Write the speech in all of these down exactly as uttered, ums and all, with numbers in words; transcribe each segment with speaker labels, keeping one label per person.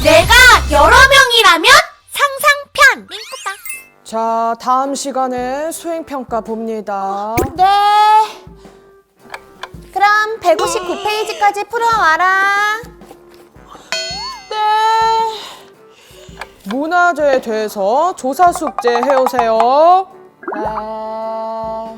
Speaker 1: 내가 여러 명이라면 상상편.
Speaker 2: 자, 다음 시간에 수행평가 봅니다.
Speaker 3: 네. 그럼 백오십구 페이지까지 풀어와라.
Speaker 2: 네. 문화재에 대해서 조사 숙제 해오세요.
Speaker 3: 아,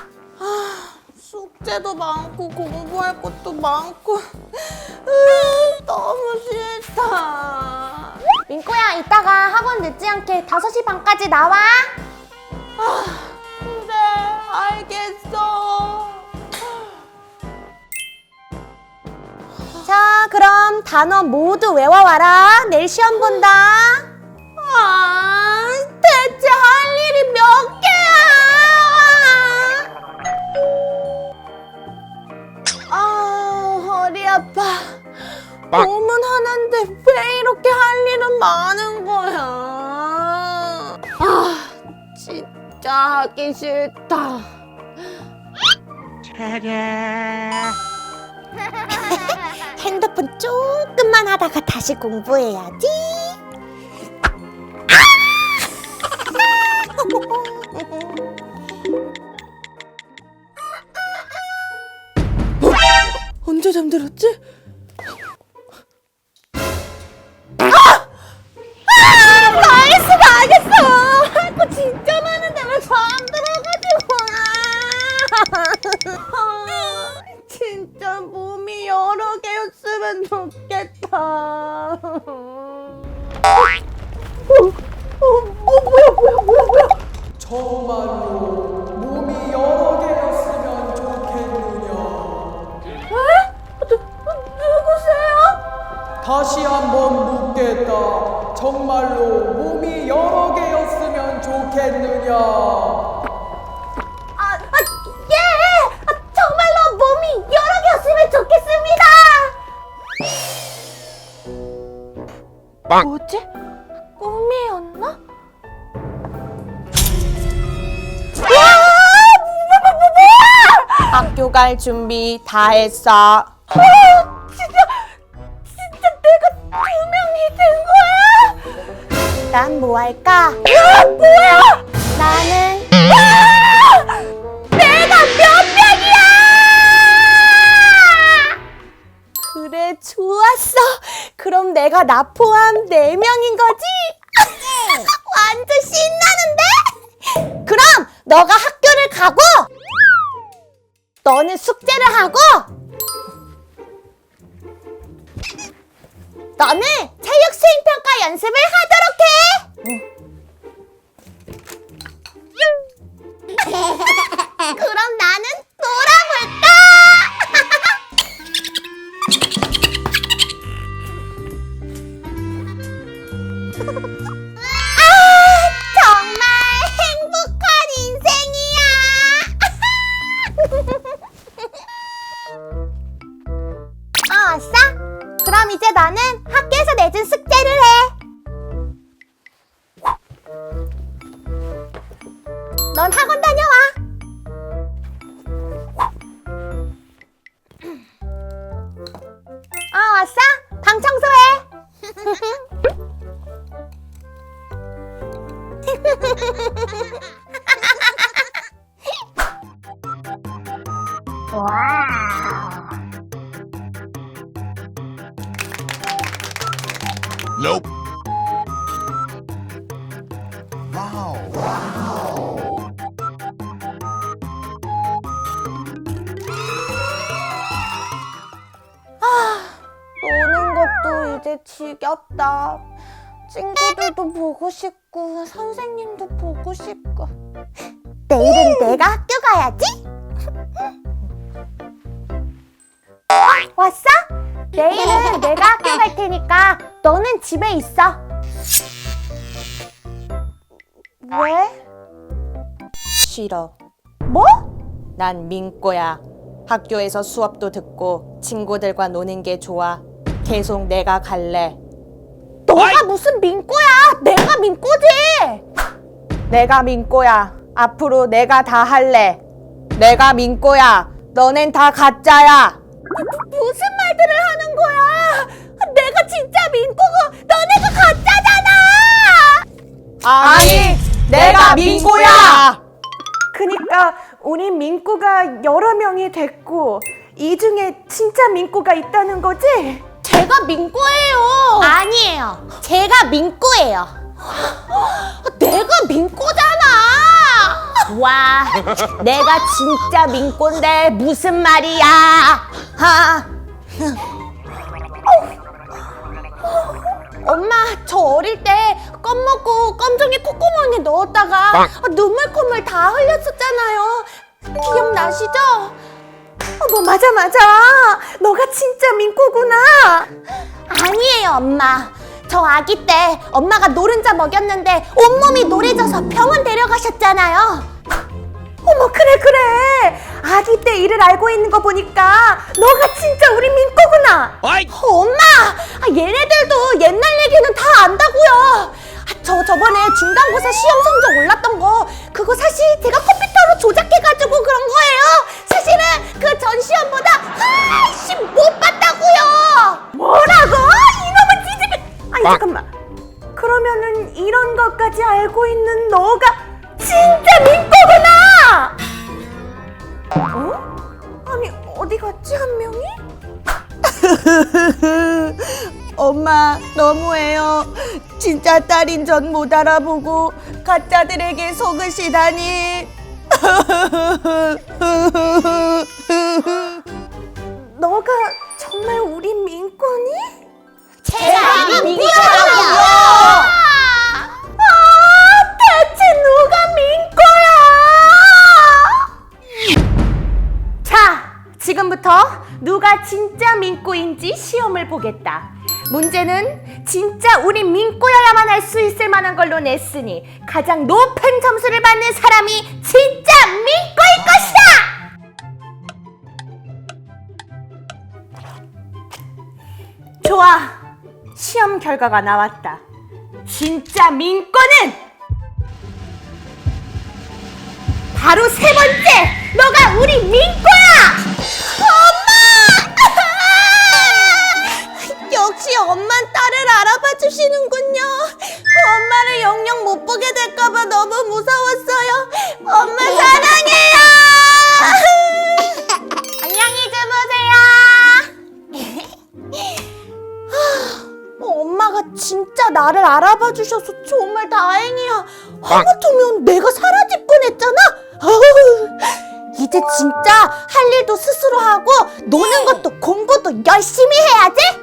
Speaker 3: 숙제도 많고 공부할 것도 많고 으, 너무 싫다. 민꼬야, 이따가 학원 늦지 않게 다섯 시 반까지 나와. 아, 그래, 알겠어. 자, 그럼 단어 모두 외워와라. 내일 시험 본다. 아, 대체 할 일이 몇 개야? 아, 허리 아파. 몸은 하나인데 왜 이렇게 할 일은 많은 거야? 아, 진짜 하기 싫다. 핸드폰 조금만 하다가 다시 공부해야지.
Speaker 2: 언제 잠들었지?
Speaker 3: 망했어, 망했어. 할 거 진짜 많은데 왜 잠들어가지고. 아, 진짜 몸이 여러 개였으면 좋겠다. 어, 어, 어, 뭐야, 뭐야, 뭐야, 뭐야.
Speaker 2: 정말로 몸이 여러 개였으면 좋겠느냐.
Speaker 3: 에? 누, 누구세요?
Speaker 2: 다시 한번 묻겠다. 정말로 몸이 여러 개였으면 좋겠느냐.
Speaker 3: 아, 아, 예! 아, 정말로 몸이 여러 개였으면 좋겠습니다! 뭐지? 꿈이었나? 와! 뭐, 뭐, 뭐, 뭐야!
Speaker 1: 학교 갈 준비 다 했어.
Speaker 3: 아, 진짜, 진짜 내가 두 명이 된 거야? 난 뭐 할까? 야, 뭐야? 나는 아! 내가 몇 명이야? 그래, 좋았어. 그럼 내가 나 포함 네 명인 거지? 완전 신나는데? 그럼 너가 학교를 가고 너는 숙제를 하고 너는 체육 수행평가 연습을 하도록 해. 그럼 나는 놀아볼까? 아, 정말 행복한 인생이야. 아, 왔어? 그럼 이제 나는 학교에서 내준 숙제를 해. 넌 학원 다녀와. 아, 왔어? 방 청소해.
Speaker 4: Nope. Wow.
Speaker 3: 노는 것도 이제 지겹다. 친구들도 보고 싶고 선생님도 보고 싶고. 내일은 내가 학교 가야지. 어, 왔어? 내일은 내가 학교 갈 테니까 너는 집에 있어. 왜?
Speaker 1: 싫어.
Speaker 3: 뭐?
Speaker 1: 난 민꼬야. 학교에서 수업도 듣고 친구들과 노는 게 좋아. 계속 내가 갈래.
Speaker 3: 너가 무슨 민꼬야? 내가 민꼬지.
Speaker 1: 내가 민꼬야. 앞으로 내가 다 할래. 내가 민꼬야. 너넨 다 가짜야.
Speaker 3: 무슨 말들을 하는 거야? 내가 진짜 민꼬고 넌
Speaker 1: 민꼬야!
Speaker 3: 그니까 우리 민꼬가 여러 명이 됐고 이 중에 진짜 민꼬가 있다는 거지? 제가 민꼬예요.
Speaker 1: 아니에요. 제가 민꼬예요.
Speaker 3: 내가 민꼬잖아.
Speaker 1: 와, 내가 진짜 민꼬인데 무슨 말이야? 하.
Speaker 3: 엄마, 저 어릴 때 껌 먹고 껌종이 콧구멍에 넣었다가 눈물 콧물 다 흘렸었잖아요. 기억나시죠? 어머, 맞아 맞아. 너가 진짜 민꼬구나.
Speaker 1: 아니에요, 엄마. 저 아기 때 엄마가 노른자 먹였는데 온몸이 노래져서 병원 데려가셨잖아요.
Speaker 3: 어머, 그래 그래. 아기 때 일을 알고 있는 거 보니까 너가 진짜 우리 민꼬구나.
Speaker 4: 어이!
Speaker 3: 어, 엄마, 아, 얘네들도 옛날 얘기는 다 안다고요. 아, 저 저번에 중간고사 시험 성적 올랐던 거 그거 사실 제가 컴퓨터로 조작해가지고 그런 거예요. 사실은 그 전 시험보다 훨씬 못 봤다고요. 뭐라고? 이놈의 지지배. 아니 잠깐만. 그러면은 이런 것까지 알고 있는 너가 진짜 민꼬구나. 어? 아니 어디 갔지 한 명이?
Speaker 1: 엄마, 너무해요. 진짜 딸인 전 못 알아보고 가짜들에게 속으시다니.
Speaker 3: 너가 정말 우리 민꼬니?
Speaker 1: 제가 민꼬라고요.
Speaker 3: 아, 대체 누가 민꼬야? 자, 지금부터 누가 진짜 민꼬인지 시험을 보겠다. 문제는 진짜 우리 민꼬여야만 할 수 있을 만한 걸로 냈으니 가장 높은 점수를 받는 사람이 진짜 민꼬일 것이다! 좋아, 시험 결과가 나왔다. 진짜 민꼬는 바로 세 번째, 너가 우리 민꼬야! 엄마! 역시 엄만 딸을 알아봐 주시는군요. 엄마를 영영 못 보게 될까봐 너무 무서웠어요. 엄마 사랑해요. 안녕히 주무세요. 엄마가 진짜 나를 알아봐 주셔서 정말 다행이야. 하마터면 내가 사라질 뻔했잖아. 아우, 이제 진짜 할 일도 스스로 하고 노는 것도 공부도 열심히 해야지.